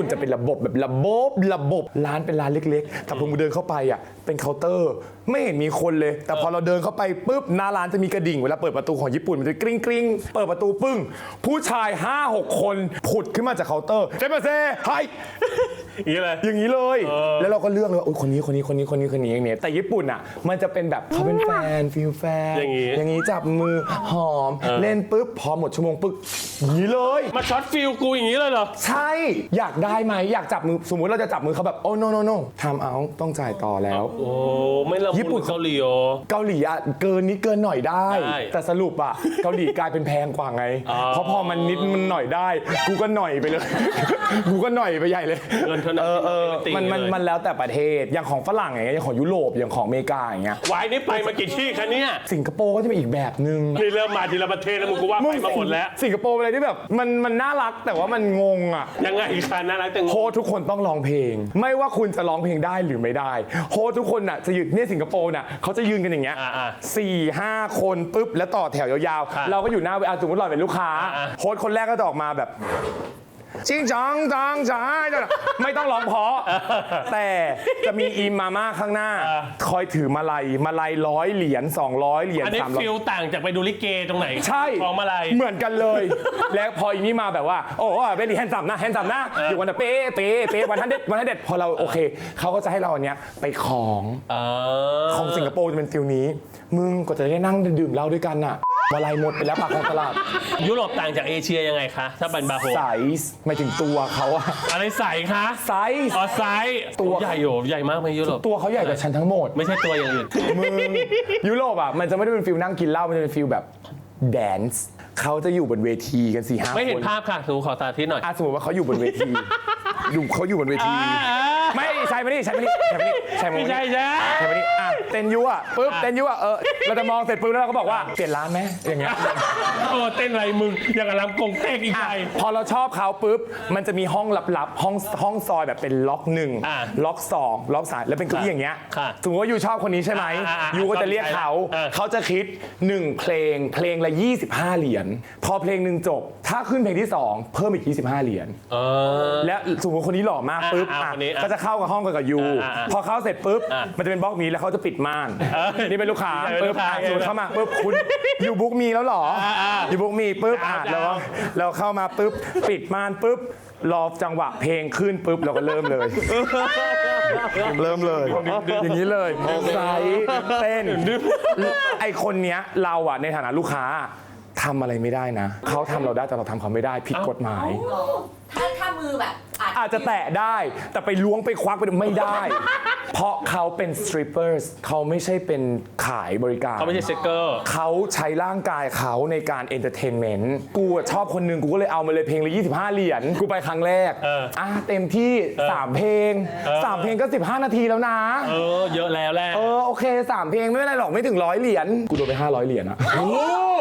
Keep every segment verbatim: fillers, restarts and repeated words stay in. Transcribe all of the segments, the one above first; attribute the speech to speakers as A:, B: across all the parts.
A: ปุ่นจะเป็นระบบแบบระบบระบบร้านเป็นร้านเล็กๆแต่พอมึงเดินเข้าไปอ่ะเป็นเคาน์เตอร์ไม่เห็นมีคนเลยแต่พอเราเดินเข้าไปปุ๊บหน้าร้านจะมีกระดิ่งเวลาเปิดประตูของญี่ปุ่นมันจะกริ๊งกริ๊งเปิดประตูปึ้งผู้ชาย ห้าหก คนผุดขึ้นมาจากเคาน์เตอร์เจมาเซ่ไฮ
B: อย่างนี้เลย
A: อย่างนี้เลยแล้วเราก็เลือกเลยว่าคนนี้คนนี้คนนี้คนนี้คนนี้อย่างนี้แต่ญี่ปุ่นอ่ะมันจะเป็นแบบเขาเป็นแฟนฟิลแฟน
B: อย่างนี้
A: อย่างนี้จับมือหอมเล่นปุ๊บพอหมดชั่วโมงปุ๊บอย่างนี้เลย
B: มาช็อตฟิลกูอย่างนี้เลยเหรอ
A: ใช่อยากได้ไหมอยากจับมือสมมุติเราจะจับมือเขาแบบโอ้ no no no ทำเอาต้องจ่ายต่อแล้ว
B: โอ้ไม่ละญี่ปุ่นเกาหลีโอ
A: เกาหลีอ่ะเกินนิดเกินหน่อยได้แต่สรุปอ่ะเกาหลีกลายเป็นแพงกว่าไงเพราะพอมันนิดมันหน่อยได้กูก็หน่อยไปเลยกูก็หน่อยไปใหญ่เลย
B: เงินเท่านั้น
A: เออเออมันมันมันแล้วแต่ประเทศอย่างของฝรั่งอย่างเงี้ยอย่างของยุโรปอย่างของอเมริกาอย่างเงี้ยว
B: ายนี่ไปมากี่ที่คะเนี่ย
A: สิงคโปร์ก็จะเป็นอีกแบบนึง
B: นี่เริ่มมาทีละประเทศแล้วมึงกูว่าไปมาหมดแล้ว
A: สิงคโปร์เป็นอะไรที่แบบมันมันน่ารักแต่ว่ามันงงอ่ะ
B: ยังไงคะน่ารักแต่งง
A: โฮทุกคนต้องร้องเพลงไม่ว่าคุณจะร้องเพลงได้หรือไม่ได้โฮทุกคนน่ะจะยืนเนี่ยสิงคโปร์น่ะเขาจะยืนกันอย่างเงี้ยสี่ห้าคนปุ๊บแล้วต่อแถวยาวๆเราก็อยู่หน้าเวทีสมมติเราเป็นลูกค้าโฮสคนแรกก็จะออกมาแบบจิงจังจังจังไม่ต้องร้องเพราะแต่จะมีอีมาม่าข้างหน้าคอยถือมาลัยมาลัยร้อยเหรียญสองร้อยเหรียญ
B: อันนี้ฟิลต่างจากไปดูลิเกตรงไหน
A: ใช่
B: ของมาลัย
A: เหมือนกันเลยแล้วพออีนี้มาแบบว่าโอ้เป็นแฮนด์ซัมนะแฮนด์ซัมนะอยู่วันเป๊ะเป๊ะเป๊ะวันทันเด็ดวันทันเด็ดพอเราโอเคเขาก็จะให้เราอันเนี้ยไปของของสิงคโปร์จะเป็นฟิลนี้มึงก็จะได้นั่งดื่มเหล้าด้วยกันน่ะมาลัยหมดไปแล้วปากของตลาด
B: ยุโรปต่างจากเอเชียยังไงคะถ้าเป็นบาโฮ
A: ไซส์หมายถึงตัวเขาอะ
B: อะไรใส่คะ
A: ไซส์
B: อ๋อไซส์ตัวใหญ่โหใหญ่มากไหมยุโรป
A: ตัวเขาใหญ่กว่าฉันทั้งหมด
B: ไม่ใช่ตัวอย่างอื่น
A: มึงยุโรปอะมันจะไม่ได้เป็นฟิลนั่งกินเหล้ามันจะเป็นฟิลแบบแดนซ์เขาจะอยู่บนเวทีกันสี่ห้าคน
B: ไม่เห็นภาพค่ะสมมติขอสาธิตหน่อย
A: สมมติว่าเขาอยู่บนเวทีดูเขาอยู่บนเวทีไม่ใช่ไม่นี่ใช่ไม่นี่ใช่ไม่นี่ใช่
B: ไม่ใช่ใช่
A: ใช่ไม่นี่อ่ะเต้นยั่วปุ๊บเต้นยั่วเออเราจะมองเสร็จปุ๊บแล้วเราก็บอกว่าเปลี่ยนร้านไหมอย่างเงี้ย
B: โอ้เต้นอะไรมึงอย่างกับลำกงเต้นอีกไง
A: พอเราชอบเขาปุ๊บมันจะมีห้องลับๆห้องห้องซอยแบบเป็นล็อกหนึ่งล็อกสองล็อกสามแล้วเป็นเก้าอี้อย่างเงี้ยสมมติว่ายูชอบคนนี้ใช่ไหมยูก็จะเรียกเขาเขาจะคิดหนึ่งเพลงเพลงละยี่สิบห้าเหรียญพอเพลงหนึ่งจบถ้าขึ้นเพลงที่สองเพิ่มอีกยี่สิบห้าเหรียญและสมมติคนนี้หล่อมากปุ๊บก็จะเข้ากับห้องกับยูพอเข้าเสร็จปุ๊บมันจะเป็นบล็อกมีแล้วเขาจะปิดม่านนี่เป็นลูกค้าปุ๊บสูดเข้ามาปุ๊บคุณยูบุ๊กมีแล้วหรอยูบุ๊กมีปุ๊บแล้วเราเข้ามาปุ๊บปิดม่านปุ๊บรอจังหวะเพลงขึ้นปุ๊บเราก็เริ่มเลยเริ่มเลยอย่างนี้เลยไซส์เต้นไอคนเนี้ยเราอะในฐานะลูกค้าทำอะไรไม่ได้นะเขาทำเราได้แต่เราทำเขาไม่ได้ผิดกฎหมาย
C: ถ้าถ้ามือแบบ
A: อาจจะแตะได้แต่ไปล้วงไปควักไปไม่ได้เพราะเขาเป็นสตรีปเปอร์เขาไม่ใช่เป็นขายบริการ
B: เขาไม่ใช่เซ็กเกอร์
A: เขาใช้ร่างกายเขาในการเอนเตอร์เทนเมนต์กูชอบคนหนึ่งกูก็เลยเอามาเลยเพลงละยี่สิบห้าเหรียญกูไปครั้งแรกอ่ะเต็มที่สามเพลงสามเพลงก็สิบห้านาทีแล้วนะ
B: เออเยอะแล้วแหละ
A: เออโอเคสามเพลงไม่เป็นไรหรอกไม่ถึงร้อยเหรียญกูโดนไปห้าร้อยเหรียญอะ
B: โอ้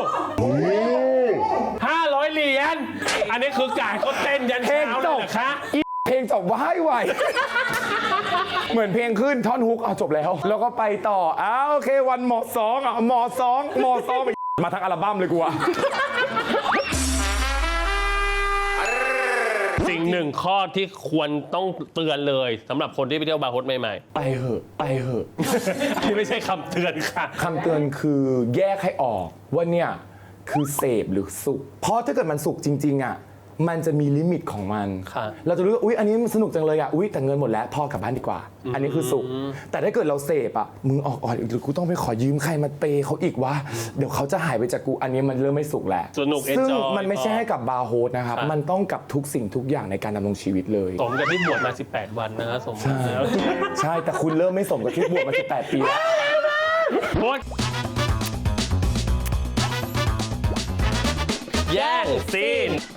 B: ห้าร้อยเหรียญอันนี้คือการเขาเต้นยันเช้าเลยเหรอคะ
A: เพลงจบว่ายไหวเหมือนเพลงขึ้นท่อนฮุกเอาจบแล้วแล้วก็ไปต่ออ้าวโอเควันหมอสองอ่ะหมอสองหมอสองมาทั้งอัลบั้มเลยกูอะ
B: สิ่งหนึ่งข้อที่ควรต้องเตือนเลยสำหรับคนที่ไปเที่ยวบาร์โฮสใหม่
A: ๆไปเหอะไปเหอะ
B: นี่ไม่ใช่คำเตือนค่ะ
A: คำเตือนคือแยกให้ออกว่าเนี่ยคือเสพหรือสุขเพราะถ้าเกิดมันสุขจริงๆอ่ะมันจะมีลิมิตของมันเราจะรู้ว่าอุ๊ยอันนี้มันสนุกจังเลยอ่ะอุ๊ยแต่เงินหมดแล้วพอกลับบ้านดีกว่าอันนี้คือสุขแต่ถ้าเกิดเราเสพอ่ะมึงออกออกหรือกูต้องไปขอยืมใครมาเปย์เขาอีกวะเดี๋ยวเขาจะหายไปจากกูอันนี้มันเริ่มไม่สุขแล้ว
B: สนุก
A: ซึ่งมันไม่ใช่ให้กับบาร์โฮสนะครับมันต้องกับทุกสิ่งทุกอย่างในการดำรงชีวิตเลย
B: สมกับที่บวชมาสิบแปดวันนะครับสมแล้ว
A: ใช่แต่คุณเริ่มไม่สมกับที่บวชมาสิบแปดปีแล้ว
B: แย่งซีน